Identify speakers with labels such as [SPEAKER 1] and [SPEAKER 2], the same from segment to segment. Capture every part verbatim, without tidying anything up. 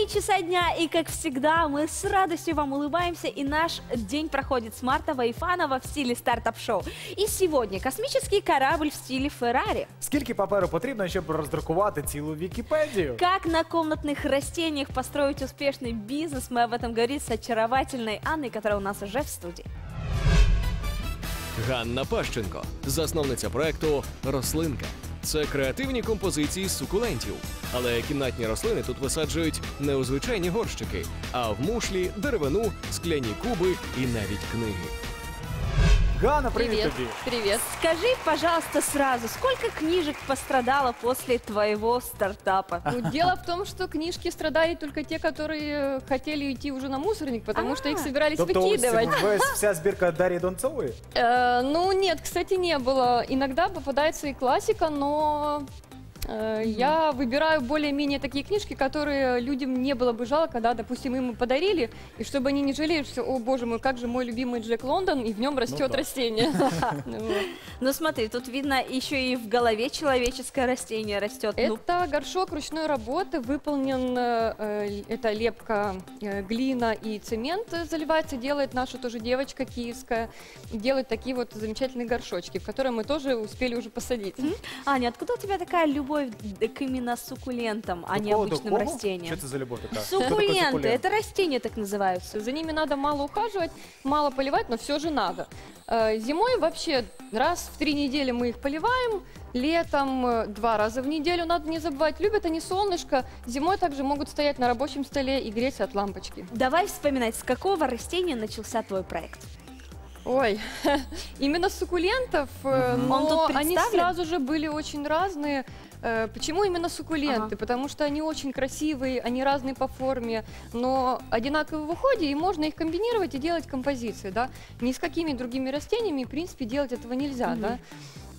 [SPEAKER 1] три часа дня, и, как всегда, мы с радостью вам улыбаемся, и наш день проходит смартово и фаново в стиле стартап-шоу. И сегодня космический корабль в стиле Феррари.
[SPEAKER 2] Скільки паперу потрібно, щоб роздрукувати цілу Вікіпедію?
[SPEAKER 1] Как на комнатных растениях построить успешный бизнес, мы об этом говорим с очаровательной Анной, которая у нас уже в студии.
[SPEAKER 3] Ганна Пащенко, засновниця проекту «Рослинка». Це креативні композиції з сукулентів. Але кімнатні рослини тут висаджують не у звичайні горщики, а в мушлі, деревину, скляні куби і навіть книги.
[SPEAKER 2] Ганна, привет,
[SPEAKER 4] Привет.
[SPEAKER 2] тобі.
[SPEAKER 4] Привет.
[SPEAKER 1] Скажи, пожалуйста, сразу, сколько книжек пострадало после твоего стартапа?
[SPEAKER 4] Ну, дело в том, что книжки страдали только те, которые хотели идти уже на мусорник, потому что их собирались
[SPEAKER 2] Тобто ось
[SPEAKER 4] выкидывать.
[SPEAKER 2] весь, вся збірка Дар'ї Донцової?
[SPEAKER 4] Э, ну, нет, кстати, не было. Иногда попадается и классика, но э, я выбираю более-менее такие книжки, которые людям не было бы жалко, да, допустим, им подарили, и чтобы они не жалели, что, о боже мой, как же мой любимый Джек Лондон, и в нем растет
[SPEAKER 2] да.
[SPEAKER 4] растение. Ну, вот.
[SPEAKER 1] Ну смотри, тут видно еще и в голове человеческое растение растет. Ну,
[SPEAKER 4] Это горшок ручной работы, выполнен, э, это лепка, э, глина и цемент заливается, делает наша тоже девочка киевская, делает такие вот замечательные горшочки, в которые мы тоже успели уже посадить.
[SPEAKER 1] Аня, откуда у тебя такая любовь к именно суккулентам, а
[SPEAKER 2] До
[SPEAKER 1] не
[SPEAKER 2] кого, до
[SPEAKER 1] обычным
[SPEAKER 2] кого?
[SPEAKER 1] растениям?
[SPEAKER 2] Що це за любов така?
[SPEAKER 1] Суккуленты, это растения так называются.
[SPEAKER 4] За ними надо мало ухаживать, мало поливать, но все же надо. Э, Зимой вообще раз в три недели мы их поливаем, летом э, два раза в неделю, надо не забывать. Любят они солнышко, зимой также могут стоять на рабочем столе и греться от лампочки.
[SPEAKER 1] Давай вспоминать, с какого растения начался твой проект?
[SPEAKER 4] Ой, именно суккулентов, э,
[SPEAKER 1] Он
[SPEAKER 4] но
[SPEAKER 1] тут
[SPEAKER 4] они
[SPEAKER 1] представлен?
[SPEAKER 4] сразу же были очень разные. Э, Почему именно суккуленты?
[SPEAKER 1] Ага.
[SPEAKER 4] Потому что они очень красивые, они разные по форме, но одинаковые в уходе, и можно их комбинировать и делать композиции, да. Ни с какими другими растениями, в принципе, делать этого нельзя,
[SPEAKER 1] Мгм.
[SPEAKER 4] да.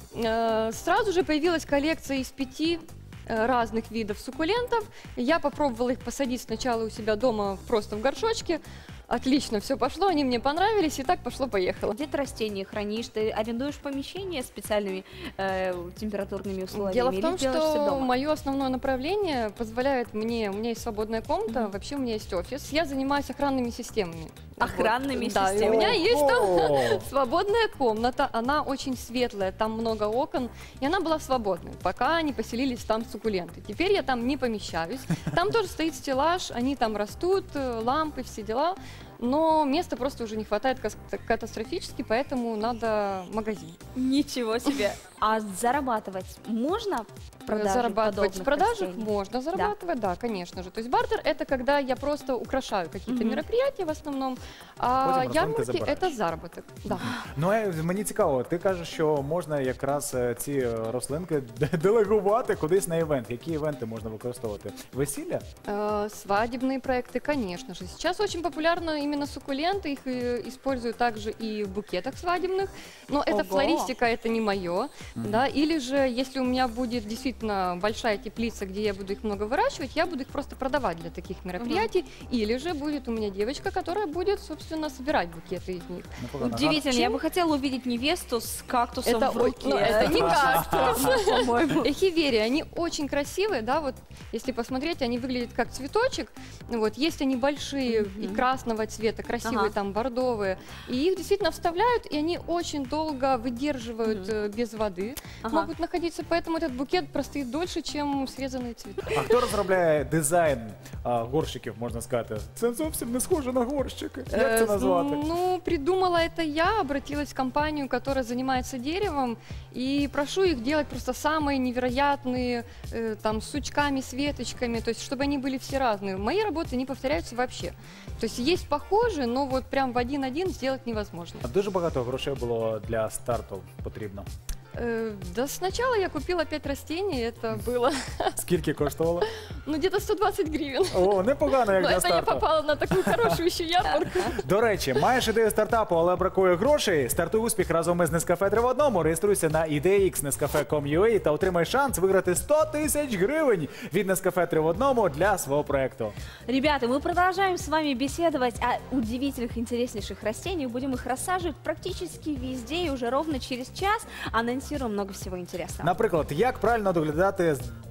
[SPEAKER 4] Э, Сразу же появилась коллекция из пяти э, разных видов суккулентов. Я попробовала их посадить сначала у себя дома просто в горшочке. Отлично, все пошло, они мне понравились, и так пошло-поехало.
[SPEAKER 1] Где ты растения хранишь? Ты арендуешь помещение с специальными э, температурными условиями?
[SPEAKER 4] Дело в
[SPEAKER 1] или
[SPEAKER 4] том,
[SPEAKER 1] делаешь всё
[SPEAKER 4] что
[SPEAKER 1] дома?
[SPEAKER 4] мое основное направление позволяет мне, у меня есть свободная комната,
[SPEAKER 1] Мгм.
[SPEAKER 4] вообще у меня есть офис, я занимаюсь охранными системами.
[SPEAKER 1] Охранными
[SPEAKER 4] Вот. Да, и у
[SPEAKER 1] системами.
[SPEAKER 4] меня есть там
[SPEAKER 2] О!
[SPEAKER 4] свободная комната, она очень светлая, там много окон, и она была свободной, пока не поселились там суккуленты. Теперь я там не помещаюсь, там тоже стоит стеллаж, они там растут, э, лампы, все дела, но места просто уже не хватает кас- катастрофически, поэтому надо магазин.
[SPEAKER 1] Ничего себе. А зарабатывать можно? продаже
[SPEAKER 4] Зарабатывать в
[SPEAKER 1] подобных
[SPEAKER 4] продажах
[SPEAKER 1] растений?
[SPEAKER 4] можно зарабатывать, да. конечно же. То есть бартер это когда я просто украшаю какие-то
[SPEAKER 1] Мгм.
[SPEAKER 4] мероприятия в основном, а
[SPEAKER 2] Потім рослинки
[SPEAKER 4] ярмарки
[SPEAKER 2] забираєш.
[SPEAKER 4] это заработок. Да.
[SPEAKER 2] Ну, е, мені цікаво, ти кажеш, що можна якраз е, ці е, рослинки д- делегувати кудись на івент. Які івенти можна використовувати? Весілля?
[SPEAKER 4] Э, Свадебные проекты, конечно же. Сейчас очень популярны именно суккуленты, их э, использую также и в букетах свадебных, но это
[SPEAKER 1] Ого.
[SPEAKER 4] флористика, это не мое, да, или же если у меня будет действительно большая теплица, где я буду их много выращивать, я буду их просто продавать для таких мероприятий, или же будет у меня девочка, которая будет, собственно, собирать букеты из них.
[SPEAKER 2] Непогано.
[SPEAKER 1] Удивительно, я бы хотела увидеть невесту с кактусом
[SPEAKER 4] Это,
[SPEAKER 1] в
[SPEAKER 4] о-
[SPEAKER 1] руке.
[SPEAKER 4] ну, это не
[SPEAKER 1] кактус, по-моему.
[SPEAKER 4] Эхиверии, они очень красивые, да, вот если посмотреть, они выглядят как цветочек, вот, есть они большие и
[SPEAKER 1] Мгм.
[SPEAKER 4] красного цвета, красивые
[SPEAKER 1] Ага.
[SPEAKER 4] там, бордовые, и их действительно вставляют, и они очень долго выдерживают
[SPEAKER 1] Мгм.
[SPEAKER 4] э, без воды,
[SPEAKER 1] Ага.
[SPEAKER 4] могут находиться, поэтому этот букет простоит дольше, чем срезанные цветы.
[SPEAKER 2] А хто розробляє дизайн а, горщиків, можна сказати? Це зовсім не схоже на горщики. Як це
[SPEAKER 4] Э,
[SPEAKER 2] назвати?
[SPEAKER 4] Ну, придумала это я, обратилась в компанию, которая занимается деревом, и прошу их делать просто самые невероятные, э, там, с сучками, с веточками, то есть, чтобы они были все разные. Мои работы не повторяются вообще. То есть, есть похожие, но вот прям в один-один сделать невозможно.
[SPEAKER 2] А дуже багато грошей було для старту потрібно.
[SPEAKER 4] Э, Да сначала я купила пять растений, это было,
[SPEAKER 2] Скільки коштувало?
[SPEAKER 4] ну, где-то сто двадцать гривен.
[SPEAKER 2] О, непогано, як
[SPEAKER 4] Но
[SPEAKER 2] для
[SPEAKER 4] это я
[SPEAKER 2] старту.
[SPEAKER 4] попала на такую хорошую еще ярмарку.
[SPEAKER 2] До речі, маєш ідею стартапу, але бракує грошей? Стартуй успіх разом із Нескафе три в одному. Реєструйся на ідеїкс нескафе крапка ком крапка ю а та отримай шанс виграти сто тисяч гривень від Нескафе три в одному для свого проекту.
[SPEAKER 1] Ребята, мы продолжаем с вами беседовать о удивительных, интереснейших растениях. Будем их рассаживать практически везде. И уже ровно через час анонсируем много всего интересного.
[SPEAKER 2] Наприклад, як правильно доглядати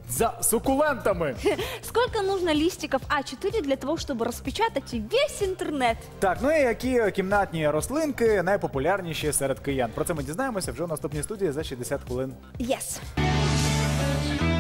[SPEAKER 2] за сукулентами.
[SPEAKER 1] Сколько нужно листиков А четыре для того, чтобы распечатать весь интернет?
[SPEAKER 2] Так, ну і які кімнатні рослинки найпопулярніші серед киян? Про це ми дізнаємося вже в наступній студії за шістдесят хвилин.
[SPEAKER 1] Yes.